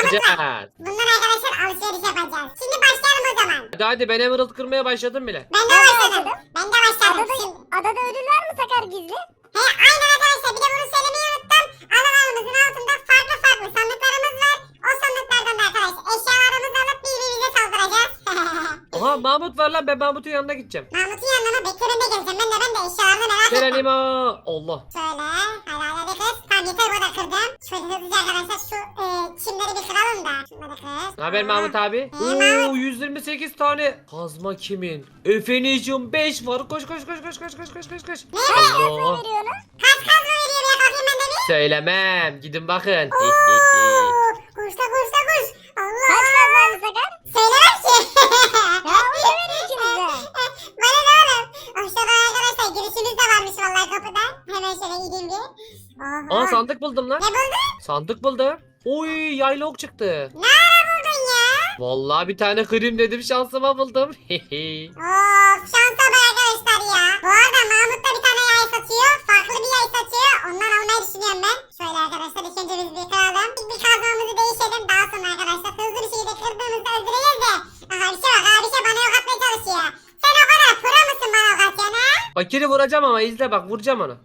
alacağız. Bundan arkadaşlar alışveriş yapacağız. Şimdi başlayalım o zaman. Hadi ben emerald kırmaya başladım bile. Ben de başladım. Ben de başladım. Şimdi. Adada ödül var mı Sakar gizli? He aynen arkadaşlar. Bir de bunu söylemeyi unuttum. Analarımızın altında farklı sandıklarımız var. O sandıklardan da arkadaşlar eşyalarımızı alıp birbirimize saldıracağız. Aha Mahmut var lan, ben Mahmut'un yanına gideceğim. Mahmut'un yanına mı? Bekle ben de geleceğim. Ben de eşyalarını merak ettim. Gelenima. Allah. Şöyle. Hadi kız. Tamam yeter bu da kırdım. Şöyle hızlıca arkadaşlar şu çimleri bir kıralım da. Şunları kır. Ne haber Mahmut abi? Oo 128 tane. Kazma kimin? Efenicium 5 var. Koş. Ne? Allah. Veriyor onu. Kaç kazma veriyor ya? Kalkayım ben de bir. Söylemem. Gidin bakın. Oo, koş da koş. Allah. Kaç kazandı Sakar? Söylemem ki. Ya onu da verin ikinize. Bana ne oğlum? Aşağıda arkadaşlar girişimiz de varmış vallahi kapıda. Hemen şöyle gideyim bir. Oha. Aa sandık buldum lan. Ne buldun? Sandık buldum. Oy yayla ok çıktı. Ne ara buldun ya? Vallahi bir tane kırayım dedim, şansıma buldum. Of şansa bak arkadaşlar ya. Bu arada Mahmut da bir tane yay satıyor. Farklı bir yay satıyor. Ondan almayı düşünüyorum ben. Şöyle arkadaşlar ilk önce biz bir kıralım. Bir kazmamızı değişelim. Daha sonra arkadaşlar hızlı bir şekilde kırdığımızda öldüreceğiz de. Aha bir şey bak abi şey bana yok atmaya çalışıyor. Sen o kadar pro musun bana ok atıyorsun ha? Fakiri vuracağım ama izle bak, vuracağım onu.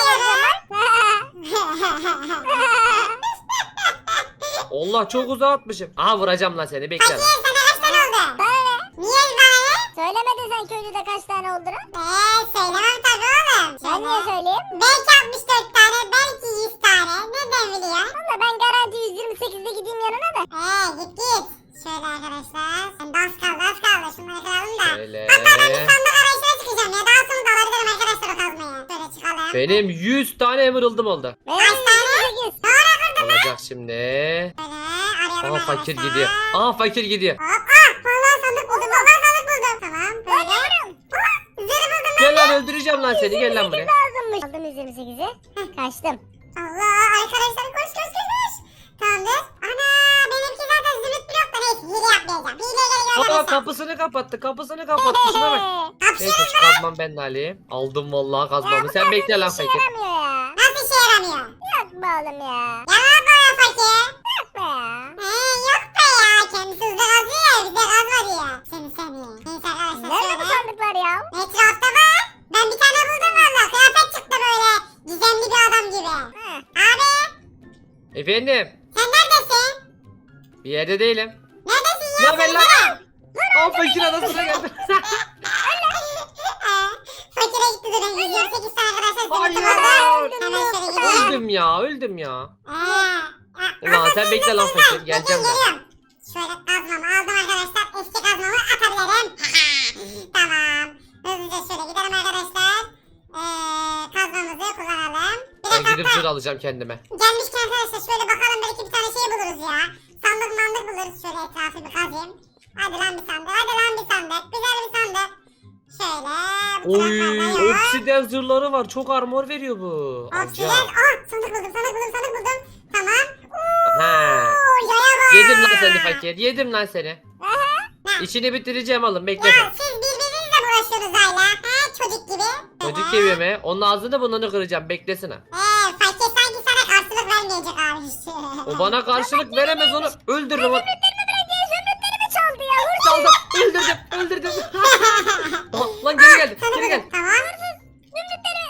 Allah çok uzağa atmışım. Aha vuracağım lan seni, bekle Fakir lan. sana kaç tane oldu? Bana ne? Niye bana ne? Söylemedin sen köylüde kaç tane olduğunu. Söylemem tabii oğlum. Ben niye söyleyeyim? Belki 64 tane, belki 100 tane. Nereden biliyorsun? Valla ben garanti 128'de gideyim yanına da. Git. Şöyle arkadaşlar. Ben de az kaldı. Şunları kıralım da. Şöyle. Hatta ben bir sandık arayışına çıkacağım ya. Daha sonra da alabilirim arkadaşlar o kazmayı. Şöyle çıkalım. Benim 100 tane emerald'ım oldu. Benim Kaç tane? 128. Olacak şimdi. Şöyle arayalım Aha arkadaşlar. fakir gidiyor. Aha fakir gidiyor. Hop. Vallahi sandık buldum. Tamam. Böyle. Zırh buldum. Gel lan, öldüreceğim lan seni, gel lan buraya. Lazımmış. Aldım 128'i. Kaçtım. Allah arkadaşlar koş. Tamamdır. Ana benimki zaten zümrüt blok da neyse hile yapmayacağım. Hileye gerek yok Aa arkadaşlar. kapısını kapattı. Şuna bak. Neyse şu kazmam ben de alayım. Aldım vallahi kazmamı. Sen bekle lan fakir. Yaramıyor ya. Nasıl işe yaramıyor? Yok be oğlum ya. Yalan bana fakir. Yok be ya. Yok be ya. Kendisi hızlı kazıyor ya bize kazma diyor. Seni. Neyse arkadaşlar Nerede bu şöyle. sandıklar ya? Etrafta var. Ben bir tane buldum valla. Kıyafet çıktı böyle. Gizemli bir adam gibi. Ha. Abi Efendim. sen neredesin? Bir yerde değilim. Neredesin ya? Ne haber lan? Aa fakir adasına geldi. Fakire gitti durun. 128 tane arkadaşlar Hayır. zümrütüm oldu. Hemen şöyle gidelim. öldüm ya. Ulan sen bekle lan fakir, geleceğim ben. Geliyorum. Şöyle kazmamı aldım arkadaşlar. Eski kazmamı atabilirim. Tamam. Hızlıca şöyle gidelim arkadaşlar. Kazmamızı kullanalım. Bir Ben de gidip hatta zırh alacağım kendime. gelmişken arkadaşlar şöyle bakalım belki bir tane şey buluruz ya. Sandık buluruz. Şöyle etrafı bir kazayım. Hadi lan bir sandık. Güzel bir sandık. Şöyle. Bu Oy taraflarda yok. obsidyen zırhları var. Çok armor veriyor bu. Oksijen. Alacağım. Sandık buldum. Tamam. Ha. Yaya bak. Yedim lan seni fakir. Yedim lan seni. Ne? İşini bitireceğim oğlum, bekle Ya sen. siz birbirinizle mi uğraşıyorsunuz hala? Çocuk gibi. Çocuk gibi mi? Onun ağzını burnunu kıracağım, beklesin ha. Fakir sanki sana karşılık vermeyecek abi. O bana karşılık veremez, onu öldürürüm. Zümrütlerimi çaldı ya. Hırsız. Çaldım. Öldürdüm. Aha, lan geri geldi. Tamam. Zümrütleri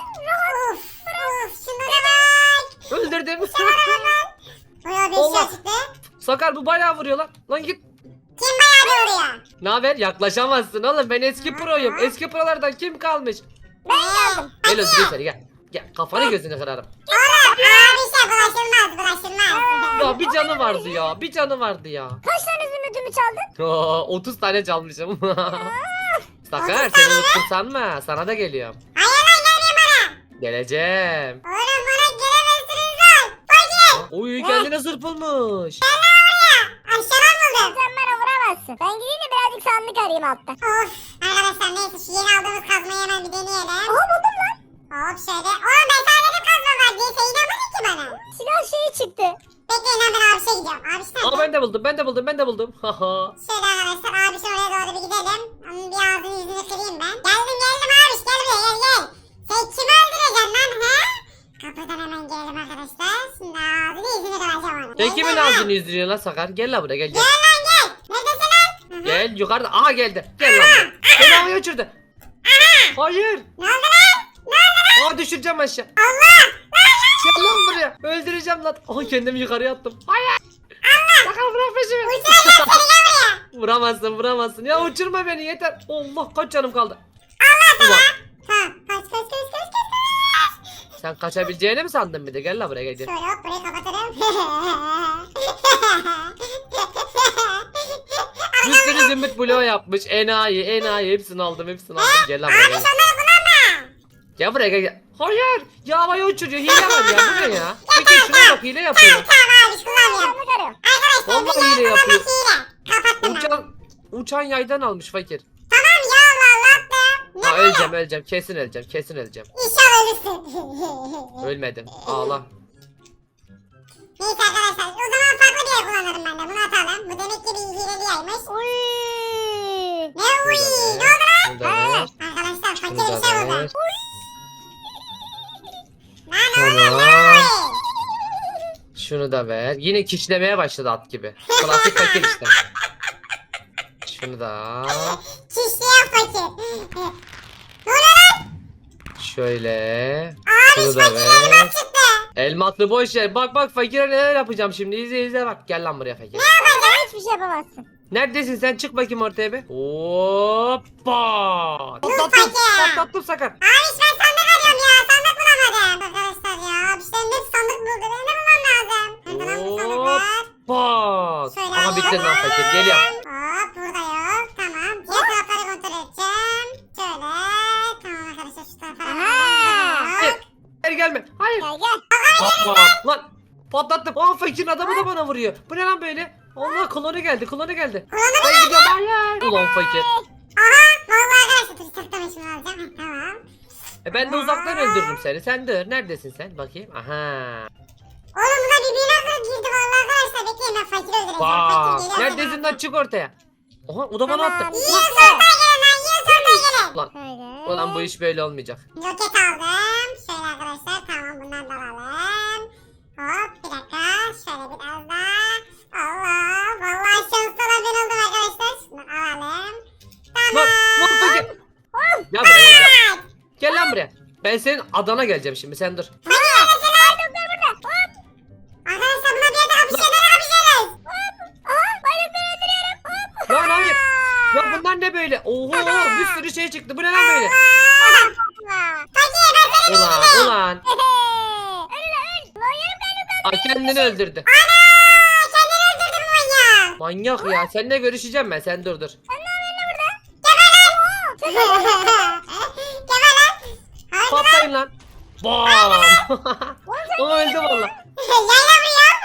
Of. Şunlara bak. Öldürdüm. Bayağı bir Allah. şey çıktı. Sakar bu bayağı vuruyor lan. Lan git. Kim bayağı bir vuruyor? Ne haber? Yaklaşamazsın oğlum. Ben eski proyum. Eski prolardan kim kalmış? ben geldim. Gel öldüreyim seni, gel. Gel kafanı gözünü kırarım. Oğlum abi şey bulaşılmaz. Ya bir canı vardı ya. Kaç tane zümrütümü çaldın? 30 tane çalmışım. Sakar seni unuttum sanma. Sana da geliyorum. Hayır lan gelmeyin bana. Geleceğim. Oğlum bana gelemezsiniz lan. Fakir. Oy kendine zırh bulmuş. Aşağıdan buldum. Sen bana vuramazsın. Ben gideyim de birazcık sandık arayayım altta. Of. Arkadaşlar neyse şu yeni aldığımız kazmayı hemen bir deneyelim. Aha buldum lan. Hop şöyle. Oğlum ben sana dedim kazma var diye. Sen inanmadın ki bana. Silah şeyi çıktı. Bekleyin lan ben abişe gidiyorum. Abiş nerede? Aa ben de buldum. Haha. Şöyle arkadaşlar abişin oraya doğru bir gidelim. Onun bir ağzını yüzünü kırayım ben. Geldim abiş gel buraya gel. Sen kimi öldüreceksin lan he? Kapıdan hemen gelelim arkadaşlar. Şimdi ağzını yüzünü kıracağım onu. Sen kimin ağzını yüzdürüyorsun lan Sakar? Gel lan buraya gel. Gel lan gel. Neredesin lan? Gel yukarıda. Aha geldi. Gel lan buraya. Beni havaya uçurdu. Hayır. Ne oldu lan? Ne oldu lan? Aa düşüreceğim aşağı. Allah. Gel lan buraya. Öldüreceğim lan. Aha kendimi yukarıya attım. Hayır. Sakar bırak peşimi. Uçuracağım seni gel buraya. Vuramazsın. Ya uçurma beni yeter. Allah kaç canım kaldı. Allah Ulan, sana. Tamam. Kaç. sen kaçabileceğini mi sandın bir de? Gel lan buraya gel. Şöyle hop burayı kapatırım. Bir sürü zümrüt bloğu yapmış. Enayi. Hepsini aldım. Gel lan buraya Abi gel. şunları kullanma. Gel buraya gel. Hayır. Ya havaya uçuruyor. Hile var ya. Bu ne ya? Peki şuna bak hile yapıyor. Tamam abi kullanmıyorum. Sandık arıyorum. Arkadaşlar Vallahi hile biliyorum yapıyor. hile. Kapattım ben. Uçan yaydan almış fakir. Tamam ya Allah attım. Ne Ha böyle? öleceğim. Kesin öleceğim. İnşallah ölürsün. Ölmedim. Ağla. Neyse arkadaşlar o zaman farklı bir yer kullanırım ben de. Bunu atalım. Bu demek ki bir hileli yaymış. Uy. Ne uy? Ne oldu lan? Burada ver. Arkadaşlar fakir Burada bir şey buldu. ver. Lan oğlum ne Tamam. uy? Şunu da ver. Yine kişlemeye başladı at gibi. Klasik fakir işte. Şunu da al. Çişleyen fakir. Ne oluyor lan? Şöyle. Abi Şunu da fakir ver. elmas çıktı. Elmatlı boş yer. Bak fakire neler yapacağım şimdi. İzle bak. Gel lan buraya fakir. Hiçbir şey yapamazsın. Neredesin sen? Çık bakayım ortaya bir. Hoppa. fakir. Patlattım Sakar. Abi ben sandık arıyorum ya. Sandık bulamadım. Arkadaşlar ya. Bir şeyin hep sandık buldu. Benim de bulmam lazım. Nerede lan bu sandıklar? Pat. Şöyle Aha bitti lan alalım. fakir. Geliyor. Hop burada yok. Tamam. Diğer tarafları kontrol edeceğim. Şöyle. Tamam arkadaşlar şu tarafa. Aha. Hop. Hayır gelme. Hayır. Gel gel. Patlat. Lan. Patlattım. Aa fakirin adamı da bana vuruyor. Bu ne lan böyle? Allah klonu geldi. Klonu mu Ben gidiyorum. Hayır. Ulan fakir. Aha. Vallahi arkadaşlar dur saklama şunu alacağım. Heh, tamam. Ben de uzaktan öldürürüm seni. Sen dur. Neredesin sen? Bakayım. Aha. Oğlum buna birbirine girdi vallahi arkadaşlar. Bekleyin ben fakiri öldüreceğim. Bak. Fakir geliyor. Neredesin lan? Çık ortaya. Aha o da bana Tamam. attı. Yiyin sortaya gelin lan. Yiyin sortaya gelin. Ulan. Şöyle. Ulan bu iş böyle olmayacak. Roket aldım. Şöyle arkadaşlar tamam bundan da alalım. Hop bir dakika. Şöyle biraz daha. Allah. Vallahi şanslı olan ben oldum arkadaşlar. Şunu alalım. Lan. Tamam. Lan fakir. Gel buraya gel. Gel lan buraya. Ben senin adana geleceğim şimdi. Sen dur. Fakir neredesin lan? Arkadaşlar buna bir yerde kapışıyoruz. Nerede kapışıyoruz? Aha bayrakları öldürüyorum. Hop. Lan hayır. Ya bunlar ne böyle? Oho bir sürü şey çıktı. Bu ne lan böyle? Fakir ben seni Ulan. Öl öl. Lan yarım kalbim Ay kendini öldürdü. Ana! Kendini öldürdü bu manyak. Manyak ya. Seninle görüşeceğim ben. Sen dur. Geber lan. Hadi lan. Patlayın lan. Bam. O öldü valla. Yayla vuruyor.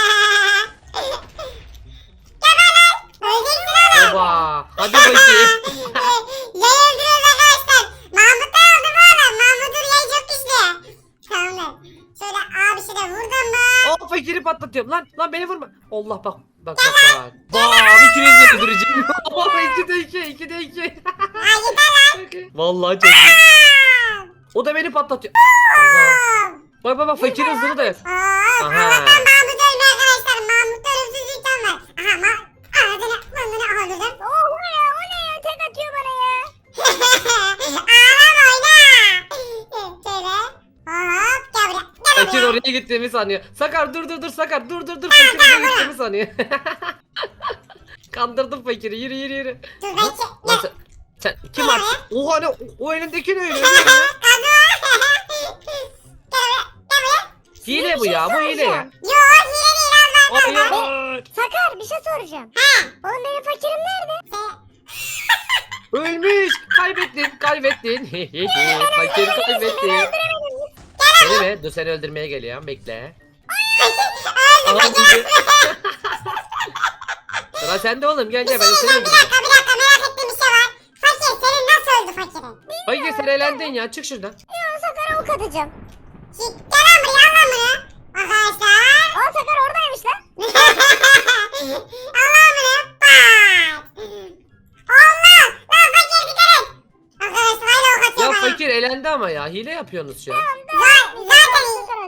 Geber lan. Öleceksin oğlum. Oba. Hadi bakayım. Yay öldürüyoruz arkadaşlar. Mahmut'tan aldı bu adam. Mahmut'un yayı çok güçlü. Tamam. Şöyle abi bir şey de vurdum mu? O fakiri patlatıyorum. Lan beni vurma. Allah bak. Bak. Bam. İkinizi de öldüreceğim. 2'de 2. Ha yeter lan. Vallahi çok iyi. O da beni patlatıyor. Allah. Bak fakirin hızını da yok. Allah'tan Mahmut ölmüyor arkadaşlar. Mahmut'ta ölümsüzlükten var. Aha ağzını öldürdüm. Oh o ne ya tek atıyor bana ya. Ağlama oyna. Şöyle. Hop gel buraya. Gel Fakir buraya. oraya gittiğimi sanıyor. Sakar dur Sakar dur. Fakir oraya gittiğimi sanıyor. Kandırdım fakiri. Yürü. Dur ben Lan sen kim Gel attı? Oha ne? O elindeki ne öyle? Hile bu ya. Bu hile ya. Yo hile değil Allah. Hayır. Sakar bir şey soracağım. Oğlum benim fakirim nerede? Ölmüş. Kaybettin. Fakir kaybettin. Seni mi? Dur seni öldürmeye geliyorum. Bekle. Aha, gidiyor. Sıra sende oğlum. Gel ben seni Bir öldüreceğim. dakika merak ettiğim bir şey var. Fakir senin nasıl öldü fakirin? Fakir sen elendin ya. Çık şuradan. Ya Sakar'a ok atacağım. Gel lan buraya al lan bunu. Arkadaşlar. Aa Sakar oradaymış lan. Allah bunu. Bak. Allah. Lan fakir dikkat et. Arkadaşlar hala ok Ya atıyor bana. fakir elendi ama ya. Hile yapıyorsunuz şu an. Zaten iyi.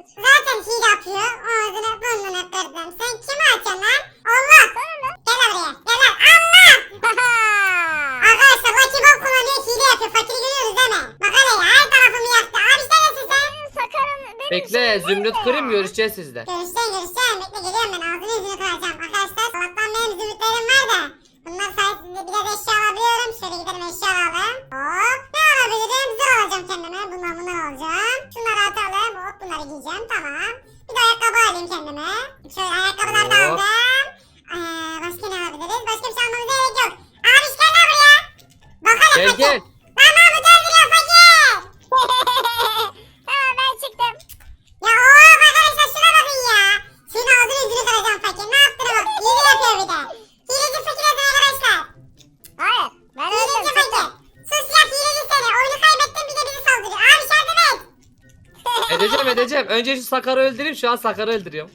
yapıyor. Ağzını burnunu kırdım. Sen kimi açıyorsun lan? Allah. Gel buraya. Gel lan. Allah. Arkadaşlar Lucky Bomb kullanıyor. Hile yapıyor. Fakiri görüyoruz değil mi? Bak hele ya. Her tarafımı yaktı. Abi sen nesin sen? Sakarım benim Bekle Zümrüt kırayım görüşeceğiz sizde. Görüşeceğim. Bekle geliyorum ben. Ağzını yüzünü kıracağım. Arkadaşlar Allah'tan benim zümrütlerim var da. Bunlar sayesinde biraz eşya alabiliyorum. Şöyle gidelim eşya alalım. Hop. Ne alabilirim? Zırh alacağım kendime. Bunlar alacağım. Şunları atalım. Hop bunları giyeceğim. Tamam. Bir de ayakkabı alayım kendime. Şöyle ayakkabıları da Hop. aldım. Başka ne alabiliriz? Başka bir şey almamıza gerek yok. Abi gel lan buraya. Bak hele Gel fakir. gel. Lan Mahmut öldürüyor fakir. Tamam ben çıktım. Ya oğlum arkadaşlar şuna bakın ya. Senin ağzını yüzünü kıracağım fakir. Ne yaptığını bak. Hile yapıyor bir de. Hileci fakir adına arkadaşlar. Hayır. Ben Hileci öldüm. fakir. Çıktım. Sus ya hileci seni. Oyunu kaybettin bir de bizi saldırıyor. Abi yardım et. Edeceğim. Önce şu Sakar'ı öldüreyim. Şu an Sakar'ı öldürüyorum.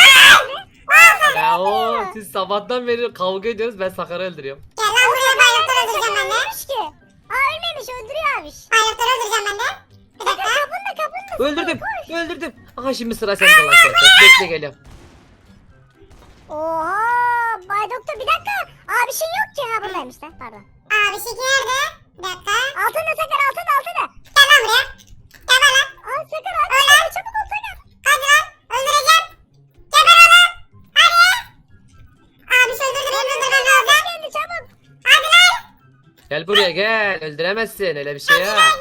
Ya o siz sabahtan beri kavga ediyoruz. Ben Sakar'ı öldürüyorum. Gel lan buraya bayrakları öldüreceğim ben de. Ölmemiş ki. Aa ölmemiş öldürüyor abiş. Bayrakları öldüreceğim ben de. Bir dakika. Öldürdüm. Aha şimdi sıra sende lan sen. Bekle geliyorum. Oha. Bay Doktor bir dakika. Abişin yok ki. Ha buradaymış lan pardon. Abi şeki nerede? Bir dakika. Altında Sakar altında. Gel lan buraya. Gel lan. Aa Sakar abi. Öl lan. Çabuk ol Sakar. Hadi lan. Öldüreceğim. Geber oğlum. Hadi. Abi şu öldürdü beni öldürmem lazım. Geldi çabuk. Hadi lan. Gel buraya gel. Öldüremezsin öyle bir şey ya. Sakar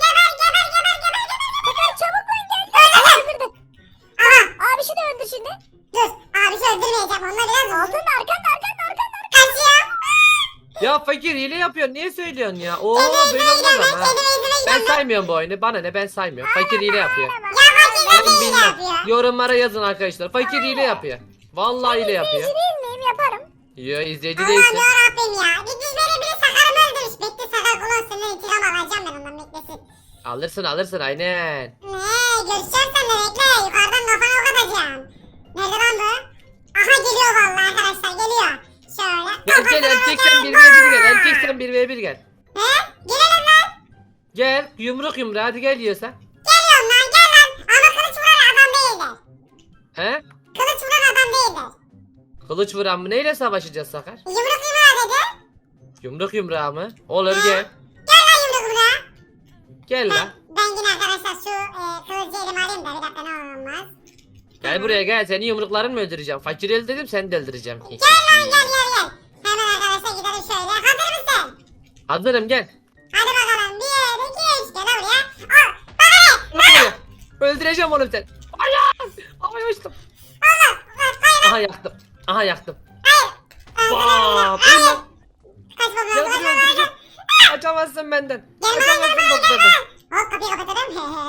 çabuk lan geldi. Öldürdü. Aha. Abişi de öldü şimdi. Dur. Abi şu öldürmeyeceğim. Onunla biraz uzun. Altında arkanda. Kaçıyor. Ya fakir hile yapıyorsun. Niye söylüyorsun ya? Oo Kendime böyle izine olmaz gidiyorum ama. ben. Kendime izine Ben gidiyorum. saymıyorum bu oyunu. Bana ne ben saymıyorum. Fakir hile yapıyor. Ya fakir Ben ne hile bilmem. yapıyor? Yorumlara yazın arkadaşlar. Fakir hile yapıyor. Vallahi hile yapıyor. İzleyici değil miyim yaparım. Yo izleyici Allah'ım değilsin. yarabbim ya. Gitmiş biri Sakar'ımı öldürmüş. Bekle Sakar kulon senden intikam alacağım ben ondan beklesin. Alırsın aynen. Ne? Görüşeceğim seninle bekle. Yukarıdan kafana ok atacağım. Nerede lan bu? Aha geliyor vallahi arkadaşlar geliyor. Şöyle. Gel erkeksen kafasına 1v1 gel. bam! Erkeksen 1v1 gel. He? Gelelim lan. Gel yumruk yumruğa hadi gel yiyorsan. Geliyorum lan gel lan. Ama kılıç vuran adam değildir. He? Kılıç vuran adam değildir. Kılıç vuran mı? Neyle savaşacağız Sakar? Yumruk yumruğa dedi. Yumruk yumruğa mı? Olur gel. Gel lan yumruk yumruğa. Gel lan. Ben yine arkadaşlar şu kılıcı elime alayım da bir dakika ne olur olmaz. Gel buraya gel. Seni yumrukların mı öldüreceğim? Fakir öldürdüm seni de öldüreceğim. Gel. Hemen arkadaşlar gidelim şöyle. Hazır mısın? Hazırım gel. Hadi bakalım. 1, 2, 3. Gel lan buraya. Al. Bak hele. Buraya. Öldüreceğim oğlum sen. Ay uçtum. Allah. Hayır. Aha yaktım. Hayır. Bam. Öl lan. Kaç Gel bakalım. buraya öldüreceğim. Kaçamazsın benden. Gel lan, Kaçamazsın gel lan, doktordan. Hop kapıyı kapatalım.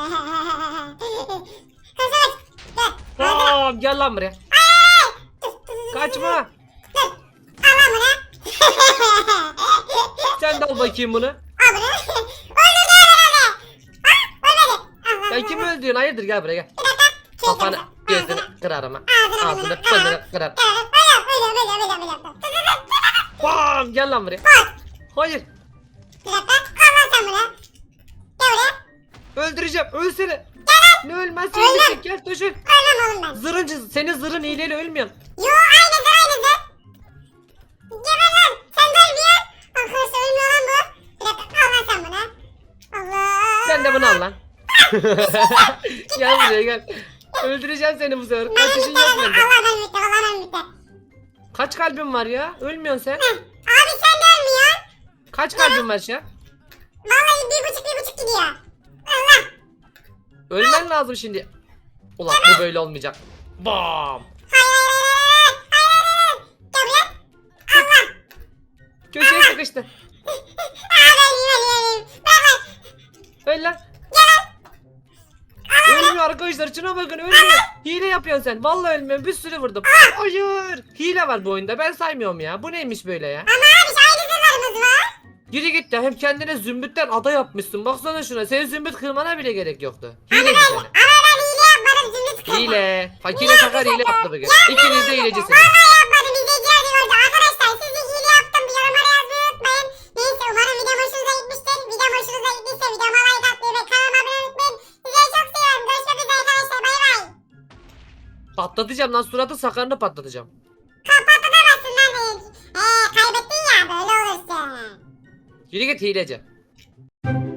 Kaç kaç. Gel. Bam. Gel lan buraya. Kaçma. Dur. Al lan bunu. Sen de al bakayım bunu. Al bunu. Öldürdü herhalde. Ha? Ölmedi. Allah Sen kimi öldürüyorsun? Hayırdır gel buraya gel. Bir dakika. Kafanı gözünü kırarım ha. Ağzını pınını kırarım. Öyle. Bam. Gel lan buraya. Hayır. Bir dakika. Al lan sen bunu. Gel buraya. Öldüreceğim. Ölsene. Ne ölmez Ölmem. ölmeyecek. Gel düşün. Ölmem oğlum ben. Zırıncı. Senin zırhın hileyle ölmüyorsun. Yo aynıdır. Geber lan. Sen de ölmüyor. Arkadaşlar ölmüyor lan bu. Bir dakika. Al lan sen bunu. Allah. Sen de bunu al lan. Gel buraya gel. Öldüreceğim seni bu sefer. Kaçışın yok bende. Allah bitti. Kaç kalbin var ya? Ölmüyorsun sen. Abi sen de ölmüyorsun. Kaç kalbin var şu an? Vallahi 1,5 gidiyor. Allah. Ölmen lazım şimdi. Ulan bu böyle olmayacak. Bam. Hayır. Gel buraya. Allah. Köşeye sıkıştı. Öleyim. Bırak. Öl lan. Ölmüyor arkadaşlar şuna bakın ölmüyor. Hile yapıyorsun sen. Vallahi ölmüyorum. Bir sürü vurdum. Hayır. Hile var bu oyunda. Ben saymıyorum ya. Bu neymiş böyle ya? Ama abi aynı zırhlarımız var. Yürü git ya. Hem kendine zümrütten ada yapmışsın. Baksana şuna. Senin zümrüt kırmana bile gerek yoktu. Hileci seni. Ama ben hile yapmadım. Zümrüt kırdım. Hile. Fakire sakar hile yaptı bugün. İkiniz de hilecisiniz. Vallahi yapmadım. İzleyiciler de gördü. Arkadaşlar siz de hile yaptım. Bir yorumlara yazmayı unutmayın. Neyse umarım videom hoşunuza gitmiştir. Videom hoşunuza gittiyse videoma like atmayı ve kanalıma abone olmayı unutmayın. Sizleri çok seviyorum. Görüşmek üzere arkadaşlar. Bay bay. Patlatacağım lan, suratı sakarını patlatacağım. Patlatamazsın lan beni. Kaybettin ya böyle olursun. Yürü git hileci.